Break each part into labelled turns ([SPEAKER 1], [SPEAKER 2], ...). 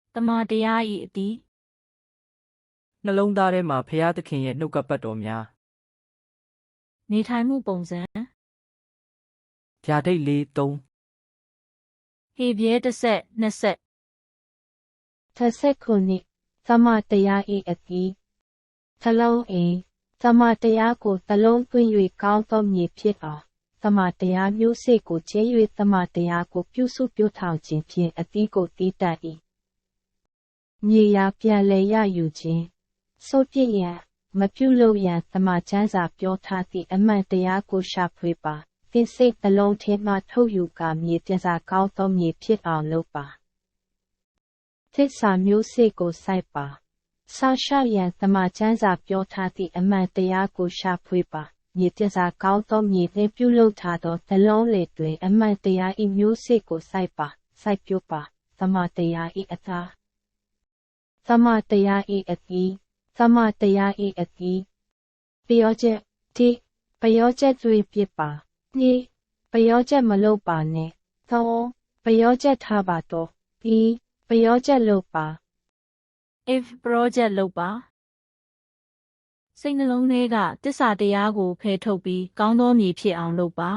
[SPEAKER 1] တမန်တရား၏အတီး
[SPEAKER 2] နှလုံးသားထဲမှာဖရာသခင်ရဲ့နှုတ်ကပတ်တော်များ
[SPEAKER 1] နေထိုင်မှုပုံစံ
[SPEAKER 2] ဗျာဒိတ်လေး3
[SPEAKER 1] ဟေပြဲတစ်ဆက်နှစ်ဆက်
[SPEAKER 3] ခုနှစ်သမတရား၏အတီးသလုံးအိသမတရားကိုသလုံးသွင်း၍ကောင်းသောမြေဖြစ်အောင်သမတရားမျိုးစေ့ကိုကျဲ၍သမတရားကိုပြုစုပြုထောင်ခြင်းဖြင့်အတီးကိုတီးတတ်၏မြေယာပြန်လည်ရယူခြင်းစိုးပြည့်ရန်မပြုလုပ်ရန်သမချမ်းစာပြောထားသည့်အမှန်တရားကိုရှာဖွေပါသင်စိတ်နှလုံးထဲမှထုတ်ယူကာမြေပြန်စာကောင်းသောမြေဖြစ်အောင်လုပ်ပါသစ္စာမျိုးစေ့ကိုစိုက်ပါဆောက်ရှောက်ရန်သမချမ်းစာပြောထားသည့်အမှန်တရားကိုရှာဖွေပါမြေပြန်စာကောင်းသောမြေနှင့်ပြုလုပ်ထားသောနှလုံးလေတွင်အမှန်တရား၏မျိုးစေ့ကိုစိုက်ပါစိုက်ပျိုးပါသမတရား၏အသားသမတရား၏အတီးသမတရား၏အတီးပျောချက်တိပျောချက်သွေးပြစ်ပါနိပျောချက်မလုပ်ပါနဲ့သုံးပျောချက်ထားပါတော့ပြီးပျောချက်လုပ်ပါ
[SPEAKER 1] if project လုပ်ပါစိတ်နှလုံးထဲကတစ္ဆာတရားကိုဖယ်ထုတ်ပြီးကောင်းသောမြေဖြစ်အောင်လုပ်ပါ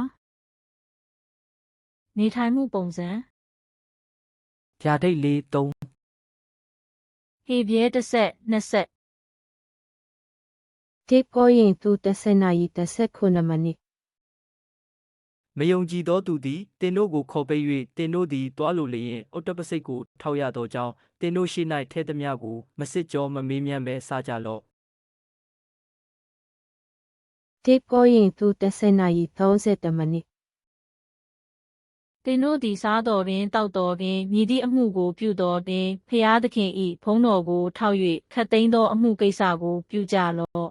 [SPEAKER 1] နေထိုင်မှုပုံစံ
[SPEAKER 2] ဗျာဒိတ်လေး3
[SPEAKER 1] ဟေပြဲတစ်ဆက်နှစ်ဆက်
[SPEAKER 3] တိကိုရင်သူ10 နာရီ19 မိနစ်
[SPEAKER 2] မယုံကြည်သောသူသည်တင်တို့ကိုခေါ်ပိတ်၍တင်တို့သည်တွားလိုလျင်အုတ်တပစိတ်ကိုထောက်ရသောကြောင့်တင်တို့ရှိ၌ထဲသမျှကိုမစစ်ကြောမမေးမြန်းပဲစားကြလော့
[SPEAKER 3] တိကိုရင်သူ10 နာရီ30 မိနစ်
[SPEAKER 1] သင်တို့သည်စားတော်ပင်တောက်တော်ပင်မြည်သည့်အမှုကိုပြုတော်ပင်ဖျားသခင်၏ဘုန်းတော်ကိုထောက်၍ခတ်သိမ်းသောအမှုကိစ္စကိုပြုကြလော့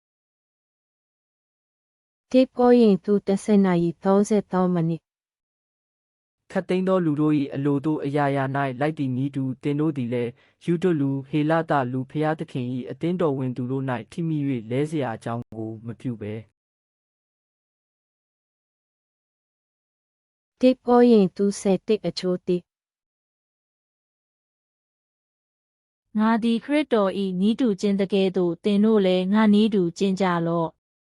[SPEAKER 3] တိကိုရင်သူ10 နာရီ33 မိနစ်
[SPEAKER 2] ခတ်သိမ်းသောလူတို့၏အလိုတို့အရာရာ၌လိုက်တည်နည်းတူတင်တို့သည်လည်းယူဒလူဟေလတလူဖျားသခင်၏အသင်းတော်ဝင်သူတို့၌ထိမိ၍လဲเสียအကြောင်းကိုမပြုဘဲ
[SPEAKER 3] တိကိုရင်သူ10 အချိုးတိ
[SPEAKER 1] ငါသည်ခရစ်တော်၏နီးတူခြင်းတကယ်သို့သင်တို့လည်းငါနီးတူကျင့်ကြလော့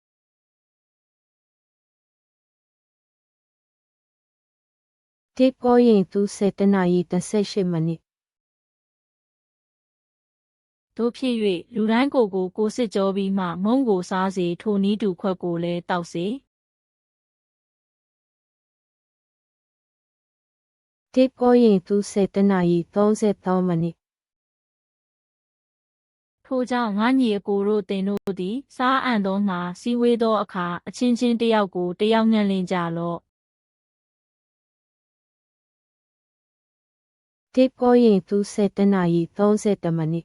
[SPEAKER 3] တိကိုရင်သူ7 နာရီ18 မိနစ်
[SPEAKER 1] တို့ဖြစ်၍လူတိုင်းကိုစစ်ကြောပြီးမှမုံကိုစားစေထိုနီးတူခွက်ကိုလည်းတောက်စေ
[SPEAKER 3] တိကိုရင်သူ7 နာရီ33 မိနစ်
[SPEAKER 1] ထိုကြောင့်ငါညီအကိုတို့သင်တို့သည်စားအံ့သောငါစည်းဝေးသောအခါအချင်းချင်းတစ်ယောက်ကိုတစ်ယောက်ငှန့်လင့်ကြလော့
[SPEAKER 3] တိကိုရင်သူ7 နာရီ30 မိနစ်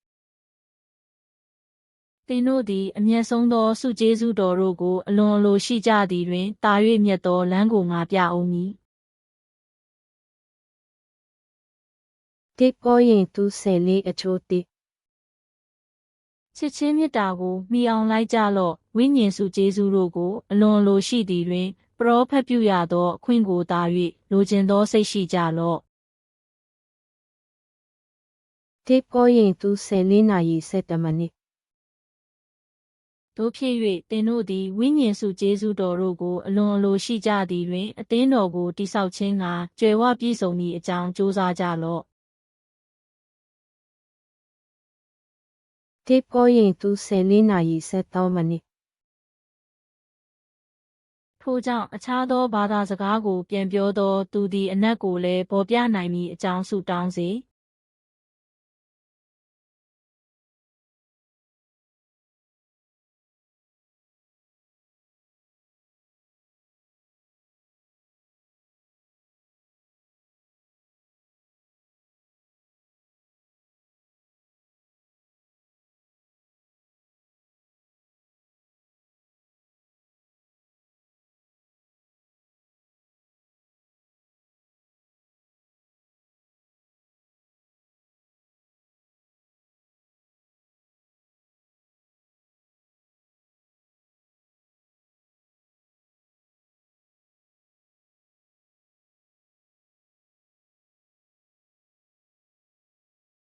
[SPEAKER 1] သင်တို့သည်အမျက်ဆုံးသောဆုကျေးဇူးတော်တို့ကိုအလွန်အလိုရှိကြသည်တွင်တာ၍မြတ်သောလမ်းကိုငါပြအောင်မည်
[SPEAKER 3] တိကိုရင်သူ14 အချိုးတိ
[SPEAKER 1] ချစ်ချင်းမေတ္တာကိုမှီအောင်လိုက်ကြလော့ဝိညာဉ်ဆုကျေးဇူးတို့ကိုအလွန်အလိုရှိသည်တွင်ပရောဖက်ပြုရသောအခွင့်ကိုသာ၍လိုချင်သောစိတ်ရှိကြလော့
[SPEAKER 3] တိကိုရင်သူ14 နာရီ7 မိနစ်
[SPEAKER 1] တို့ဖြစ်၍သင်တို့သည်ဝိညာဉ်ဆုကျေးဇူးတော်တို့ကိုအလွန်အလိုရှိကြသည်တွင်အသင်းတော်ကိုတိဆောက်ခြင်းကကြွယ်ဝပြည့်စုံသည့်အကြောင်းကြိုးစားကြလော့
[SPEAKER 3] တိကိုရင်သူ14 နာရီ73 မိနစ်
[SPEAKER 1] ထိုကြောင့်အခြားသောဘာသာစကားကိုပြန်ပြောသောသူသည်အနက်ကိုလည်းပေါ်ပြနိုင်မည်အကြောင်းဆုတောင်းစေ